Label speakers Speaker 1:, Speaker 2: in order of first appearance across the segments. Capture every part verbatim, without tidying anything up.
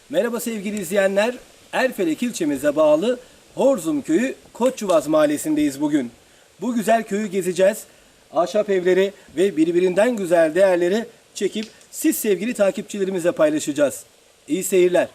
Speaker 1: Merhaba sevgili izleyenler. Erfelek ilçemize bağlı Horzum Köyü Koçyuvaz Mahallesi'ndeyiz bugün. Bu güzel köyü gezeceğiz. Ahşap evleri ve birbirinden güzel değerleri çekip siz sevgili takipçilerimize paylaşacağız. İyi seyirler.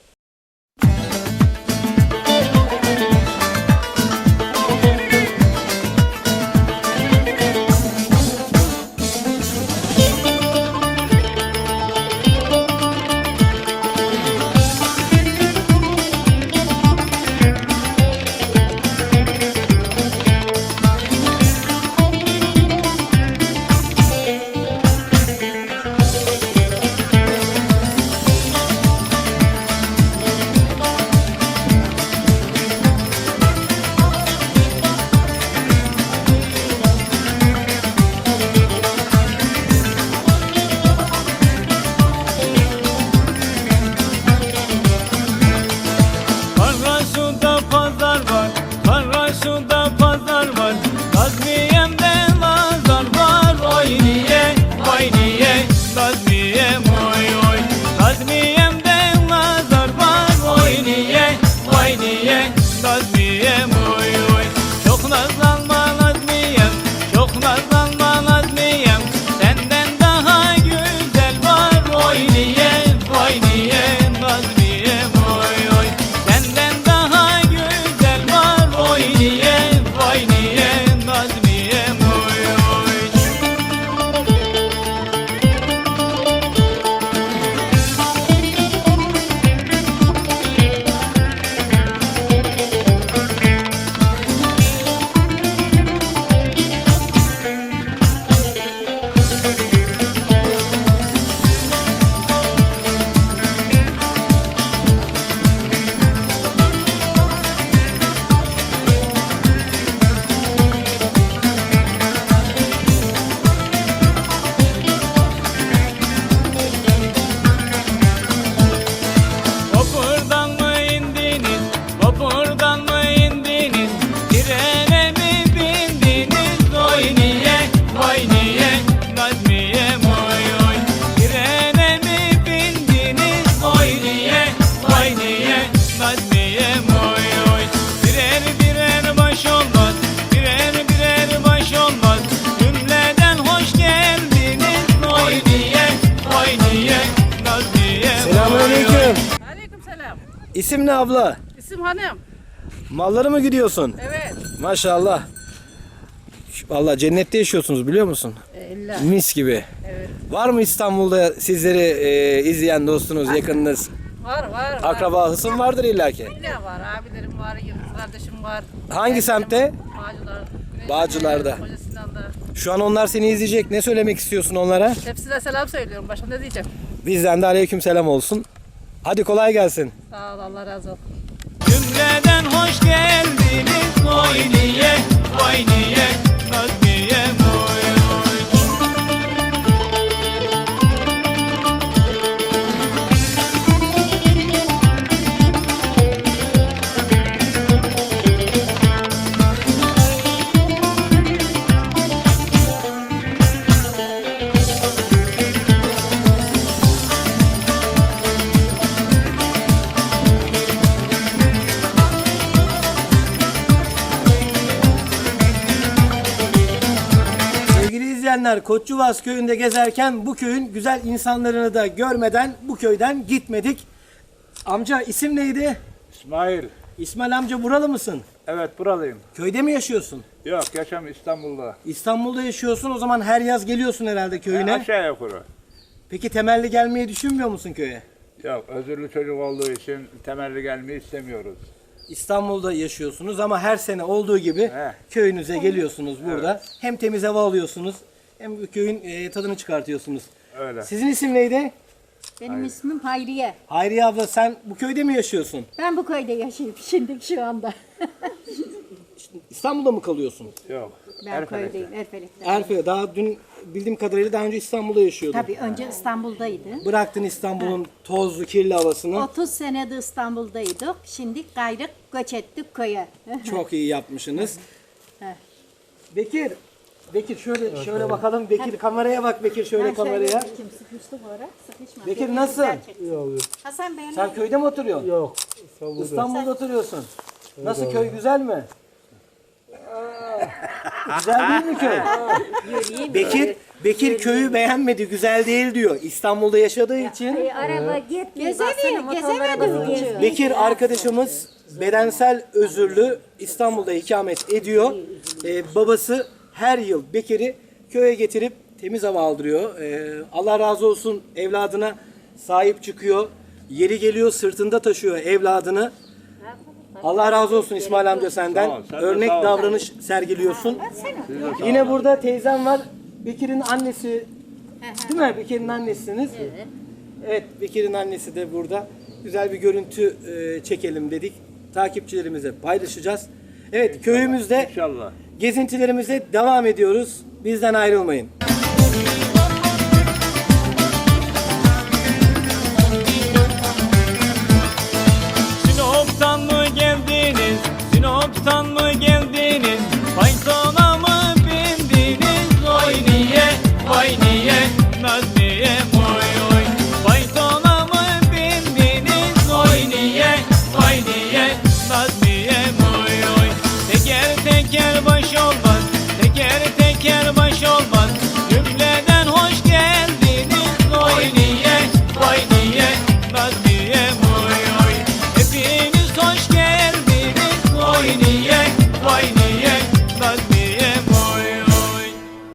Speaker 1: İsim ne abla?
Speaker 2: İsim Hanım.
Speaker 1: Malları mı gidiyorsun?
Speaker 2: Evet.
Speaker 1: Maşallah. Vallahi cennette yaşıyorsunuz biliyor musun?
Speaker 2: İlla.
Speaker 1: Mis gibi.
Speaker 2: Evet.
Speaker 1: Var mı İstanbul'da sizleri e, izleyen dostunuz, yakınınız?
Speaker 2: Var var. var.
Speaker 1: Akraba, hısım vardır illaki.
Speaker 2: İlla var. Abilerim var, yıldız kardeşim var.
Speaker 1: Hangi
Speaker 2: Ben
Speaker 1: semtte?
Speaker 2: Bağcılar.
Speaker 1: Bağcılar'da.
Speaker 2: Koca Sinan'da.
Speaker 1: Şu an onlar seni izleyecek. Ne söylemek istiyorsun onlara?
Speaker 2: Hepsine selam söylüyorum. Başka ne diyeceğim?
Speaker 1: Bizden de aleyküm selam olsun. Hadi kolay gelsin.
Speaker 2: Sağ ol, Allah razı olsun.
Speaker 3: Cümleden hoş geldiniz. Vay niye, vay niye, Nazmiye moy moy.
Speaker 1: İzleyenler, Koçyuvaz köyünde gezerken bu köyün güzel insanlarını da görmeden bu köyden gitmedik. Amca isim neydi?
Speaker 4: İsmail.
Speaker 1: İsmail amca buralı mısın?
Speaker 4: Evet, buralıyım.
Speaker 1: Köyde mi yaşıyorsun?
Speaker 4: Yok, yaşam İstanbul'da.
Speaker 1: İstanbul'da yaşıyorsun, o zaman her yaz geliyorsun herhalde köyüne.
Speaker 4: Ha, aşağı yukarı.
Speaker 1: Peki temelli gelmeyi düşünmüyor musun köye?
Speaker 4: Yok, özürlü çocuk olduğu için temelli gelmeyi istemiyoruz.
Speaker 1: İstanbul'da yaşıyorsunuz ama her sene olduğu gibi
Speaker 4: He.
Speaker 1: köyünüze geliyorsunuz burada. Hem temiz hava alıyorsunuz hem bu köyün e, tadını çıkartıyorsunuz.
Speaker 4: Öyle.
Speaker 1: Sizin isim neydi?
Speaker 5: Benim ismim Hayriye.
Speaker 1: Hayriye abla, sen bu köyde mi yaşıyorsun?
Speaker 5: Ben bu köyde yaşıyorum şimdi şu anda.
Speaker 1: İstanbul'da mı kalıyorsun?
Speaker 4: Yok.
Speaker 5: Ben
Speaker 4: Erfelek'te.
Speaker 5: köydeyim, Erfelek'te.
Speaker 1: Erfe, daha dün bildiğim kadarıyla daha önce İstanbul'da yaşıyordun.
Speaker 5: Tabii önce İstanbul'daydı.
Speaker 1: Bıraktın İstanbul'un tozlu, kirli havasını.
Speaker 5: otuz senedir İstanbul'daydık. Şimdi gayrı göç ettik köye.
Speaker 1: Çok iyi yapmışsınız.
Speaker 5: Heh.
Speaker 1: Bekir, Bekir şöyle şöyle bakalım. Bekir kameraya bak Bekir şöyle kameraya.
Speaker 5: Kim sıkıştı bu ara? Sıkışma.
Speaker 1: Bekir nasılsın?
Speaker 5: Hasan Bey.
Speaker 1: Sen köyde mi oturuyorsun?
Speaker 6: Yok. İstanbul'da.
Speaker 1: İstanbul'da oturuyorsun. Nasıl köy güzel mi? Güzel değil mi köy? Bekir Bekir köyü beğenmedi, güzel değil diyor. İstanbul'da yaşadığı için.
Speaker 7: Araba gitmiyor.
Speaker 5: Gezemiyor, gezemedi.
Speaker 1: Bekir arkadaşımız bedensel özürlü İstanbul'da ikamet ediyor. Ee, babası her yıl Bekir'i köye getirip temiz hava aldırıyor. Ee, Allah razı olsun evladına sahip çıkıyor. Yeri geliyor sırtında taşıyor evladını. Allah razı olsun İsmail amca senden.
Speaker 4: Sağ ol, sen de
Speaker 1: Örnek
Speaker 4: sağ ol.
Speaker 1: davranış sergiliyorsun. Yine burada teyzem var. Bekir'in annesi. Değil mi? Bekir'in annesiniz. Evet. Evet, Bekir'in annesi de burada. Güzel bir görüntü e, çekelim dedik. Takipçilerimize paylaşacağız. Evet, köyümüzde
Speaker 4: İnşallah.
Speaker 1: gezintilerimize devam ediyoruz. Bizden ayrılmayın.
Speaker 3: Sinop'tan mı geldiniz? Sinop'tan mı geldiniz? Faytona mı bindiniz? Oy niye, vay niye, naz niye, oy oy. Faytona mı bindiniz? Oy niye, vay niye, naz niye, oy oy. Teker teker baş olmaz, teker teker baş olmaz. Cümleden hoş geldiniz. Oy niye, vay niye, naz niye, oy oy. Hepiniz hoş geldiniz. Oy niye, vay niye, naz niye, oy oy.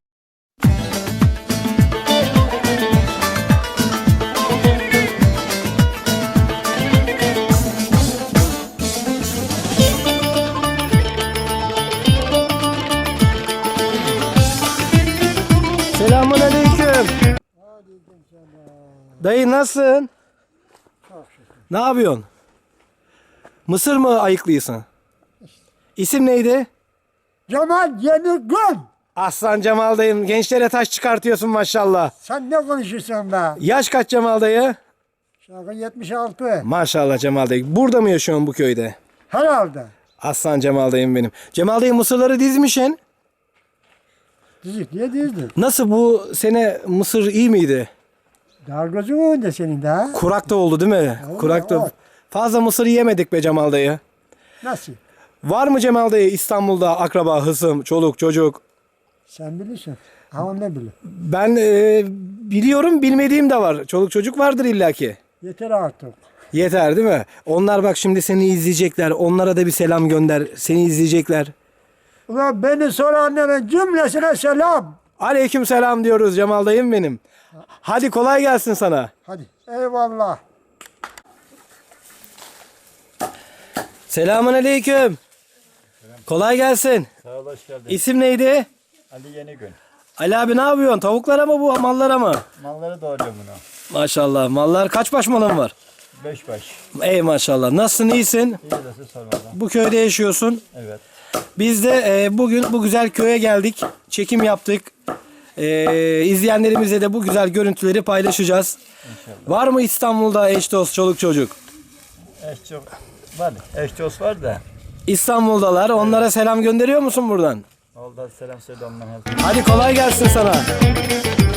Speaker 1: Selamun aleyküm. Dayı nasılsın? Ne yapıyorsun? Mısır mı ayıklıyorsun? İsim neydi?
Speaker 6: Cemal Yenigün.
Speaker 1: Aslan Cemal dayım. Gençlere taş çıkartıyorsun maşallah.
Speaker 6: Sen ne konuşuyorsun be?
Speaker 1: Yaş kaç Cemal dayı?
Speaker 6: Şaka yetmiş altı.
Speaker 1: Maşallah Cemal dayı. Burada mı yaşıyorsun bu köyde?
Speaker 6: Herhalde.
Speaker 1: Aslan Cemal dayım benim. Cemal dayı mısırları dizmişsin.
Speaker 6: Dizik diye dizdi.
Speaker 1: Nasıl bu sene mısır iyi miydi?
Speaker 6: Dargacı mı önde senin de ha?
Speaker 1: Kurak da oldu değil mi?
Speaker 6: Oldu,
Speaker 1: Kurak da.
Speaker 6: oldu.
Speaker 1: Fazla mısır yemedik be Cemal dayı.
Speaker 6: Nasıl?
Speaker 1: Var mı Cemal dayı İstanbul'da akraba, hısım, çoluk, çocuk?
Speaker 6: Sen bilirsin. Ama ne bilir.
Speaker 1: Ben e, biliyorum, bilmediğim de var. Çoluk çocuk vardır illaki.
Speaker 6: Yeter artık.
Speaker 1: Yeter değil mi? Onlar bak şimdi seni izleyecekler. Onlara da bir selam gönder. Seni izleyecekler.
Speaker 6: Ulan beni soranların cümlesine selam.
Speaker 1: Aleyküm selam diyoruz Cemal dayım benim. Hadi kolay gelsin sana.
Speaker 6: Hadi eyvallah.
Speaker 1: Selamun aleyküm. Kolay gelsin.
Speaker 8: Sağ ol, hoş geldin.
Speaker 1: İsim neydi?
Speaker 8: Ali Yenigün.
Speaker 1: Ali abi ne yapıyorsun? Tavuklara mı bu mallara mı?
Speaker 8: Malları doğruyor bunu.
Speaker 1: Maşallah. Mallar kaç baş malın var?
Speaker 8: Beş baş.
Speaker 1: Ey maşallah. Nasılsın, iyisin?
Speaker 8: İyi de sormadan.
Speaker 1: Bu köyde yaşıyorsun.
Speaker 8: Evet.
Speaker 1: Biz de e, bugün bu güzel köye geldik. Çekim yaptık. E, izleyenlerimizle de bu güzel görüntüleri paylaşacağız.
Speaker 8: İnşallah.
Speaker 1: Var mı İstanbul'da eş dost, çoluk çocuk?
Speaker 8: Eş çok var. Eş dost var da.
Speaker 1: İstanbul'dalar. Onlara selam gönderiyor musun buradan?
Speaker 8: Oldu, selam söyle ondan.
Speaker 1: Hadi kolay gelsin sana.